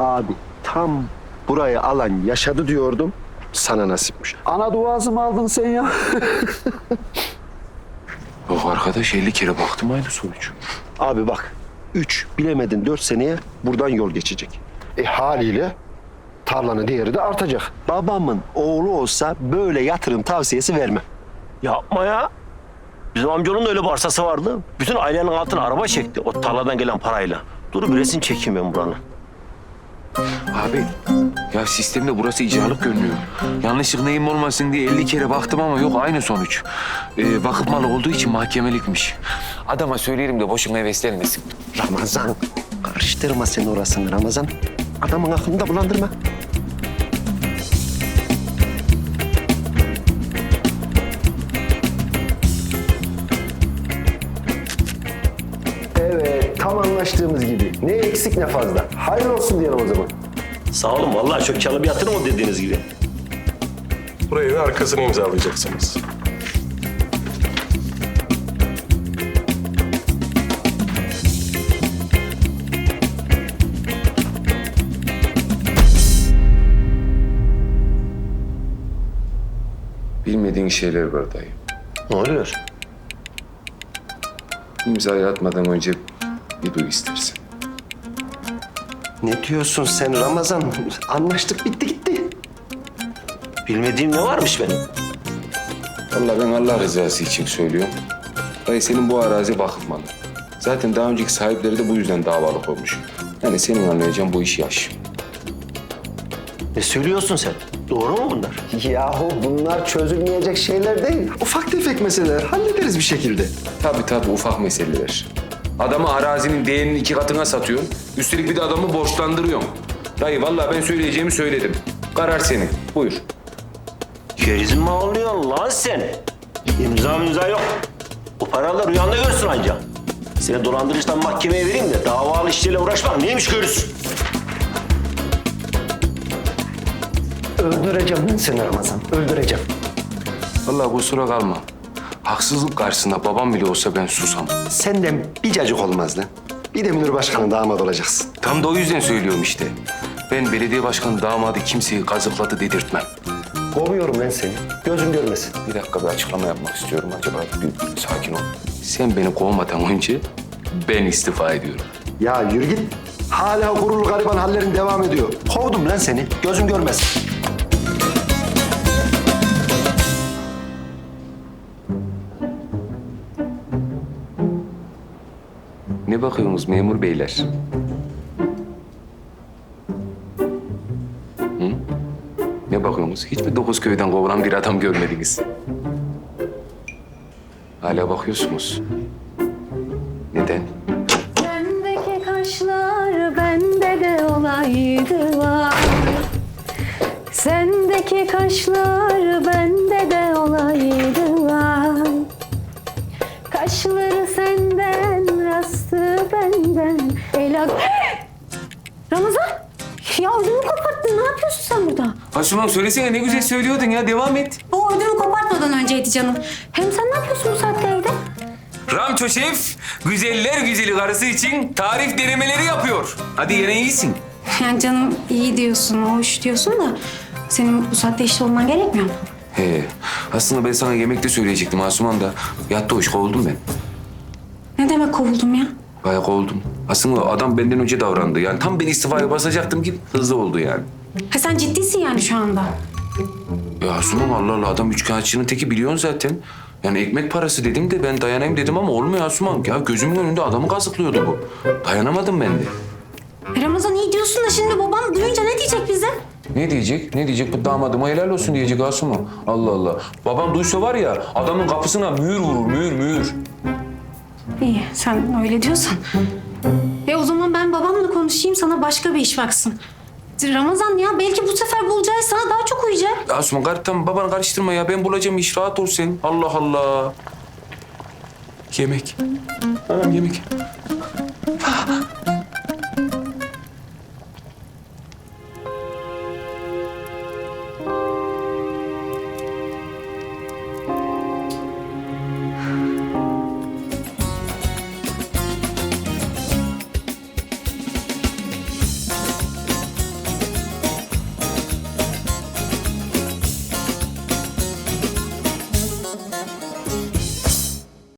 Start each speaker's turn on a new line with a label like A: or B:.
A: Abi tam burayı alan yaşadı diyordum. Sana nasipmiş. Ana duası mı aldın sen ya?
B: Yok arkadaş 50 kere baktım aynı sonuç.
A: Abi bak 3 bilemedin 4 seneye buradan yol geçecek. Haliyle tarlanın değeri de artacak. Babamın oğlu olsa böyle yatırım tavsiyesi vermem.
C: Yapma ya. Bizim amcanın da öyle bir arsası vardı. Bütün ailenin altına araba çekti o tarladan gelen parayla. Dur bir resim çekeyim ben buranın.
B: Abi ya sistemde burası icralık görünüyor. Yanlışlık neyim olmasın diye 50 kere baktım ama yok aynı sonuç. Vakıf malı olduğu için mahkemelikmiş. Adama söyleyelim de boşuna heveslenmesin.
A: Ramazan karıştırma sen orasını Ramazan. Adamın aklını da bulandırma. Evet, tam anlaştığımız gibi. Ne eksik ne fazla. Hayırlı olsun diyelim o zaman.
C: Sağ olun vallahi çok karlı bir yatırım o dediğiniz gibi.
D: Burayı da arkasını imzalayacaksınız.
B: Bilmediğin şeyler var dayı.
C: Ne oluyor?
B: İmzayı atmadan önce bir duy istersen.
A: Ne diyorsun sen Ramazan? Anlaştık bitti gitti.
C: Bilmediğim ne varmış benim?
B: Vallahi ben Allah rızası için söylüyorum. Dayı senin bu arazi vakıf malı. Zaten daha önceki sahipleri de bu yüzden davalık olmuş. Yani senin anlayacağın bu iş yaş.
C: Ne söylüyorsun sen? Doğru mu bunlar?
A: Yahu bunlar çözülmeyecek şeyler değil. Ufak tefek meseleler. Hallederiz bir şekilde.
B: Tabii ufak meseleler. Adamı arazinin değerinin 2 katına satıyorsun. Üstelik bir de adamı borçlandırıyorsun. Dayı vallahi ben söyleyeceğimi söyledim. Karar senin. Buyur.
C: Kerizin mi oluyorsun lan sen? İmza yok. O paralar rüyanda görsün anca. Seni dolandırıcıdan mahkemeye vereyim de davalı işleriyle uğraşmak neymiş görürsün.
A: Öldüreceğim ben seni Ramazan. Öldüreceğim.
B: Vallahi kusura kalma. Haksızlık karşısında babam bile olsa ben susam.
A: Senden bir cacık olmaz lan. Bir de Münir Başkan'ın damat olacaksın.
B: Tam da o yüzden söylüyorum işte. Ben belediye başkanı damadı kimseyi kazıkladı dedirtmem.
A: Kovuyorum ben seni. Gözüm görmesin.
B: Bir dakika bir açıklama yapmak istiyorum. Acaba bir sakin ol. Sen beni kovmadan önce ben istifa ediyorum.
A: Ya yürü git. Hala gururlu gariban hallerin devam ediyor. Kovdum lan seni. Gözüm görmesin.
B: Ne bakıyorsunuz memur beyler? Hı? Ne bakıyorsunuz? Hiç mi 9 köyden kovulan bir adam görmediniz? Hala bakıyorsunuz. Neden?
E: Sendeki kaşlar bende de olaydı var. Sendeki kaşlar bende de olaydı var. Kaşları senden, rastı benden. Ramazan! Ya ödümü koparttın. Ne yapıyorsun sen burada?
B: Asuman söylesene ne güzel söylüyordun ya. Devam et.
E: O ödümü kopartmadan önceydi canım. Hem sen ne yapıyorsun bu saatte evde?
B: Ramço şef, güzeller güzeli karısı için tarif denemeleri yapıyor. Hadi yine iyisin.
E: Yani canım iyi diyorsun, hoş diyorsun da... senin bu saatte işte olman gerekmiyor mu?
B: He, aslında ben sana yemekte söyleyecektim Asuman da. Yattı hoş kovuldum ben.
E: Ne demek kovuldum ya?
B: Bayağı kovuldum. Aslında adam benden önce davrandı. Yani tam ben istifaya basacaktım ki hızlı oldu yani.
E: Ha sen ciddisin yani şu anda.
B: Ya Asuman Allah Allah adam üçkağıtçının teki biliyorsun zaten. Yani ekmek parası dedim de ben dayanayım dedim ama olmuyor Asuman. Ya gözümün önünde adamı kazıklıyordu bu. Dayanamadım ben de.
E: Ramazan iyi diyorsun da şimdi babam duyunca ne diyecek bize?
B: Ne diyecek? Ne diyecek? Bu damadıma helal olsun diyecek Asuman. Allah Allah. Babam duysa var ya adamın kapısına mühür vurur, mühür.
E: İyi sen öyle diyorsan. O zaman ben babamla konuşayım sana başka bir iş baksın. Ramazan ya belki bu sefer bulacağı sana daha çok uyacak.
B: Asuman tamam babanı karıştırma ya. Ben bulacağım iş rahat ol sen. Allah Allah. Yemek. Anam yemek.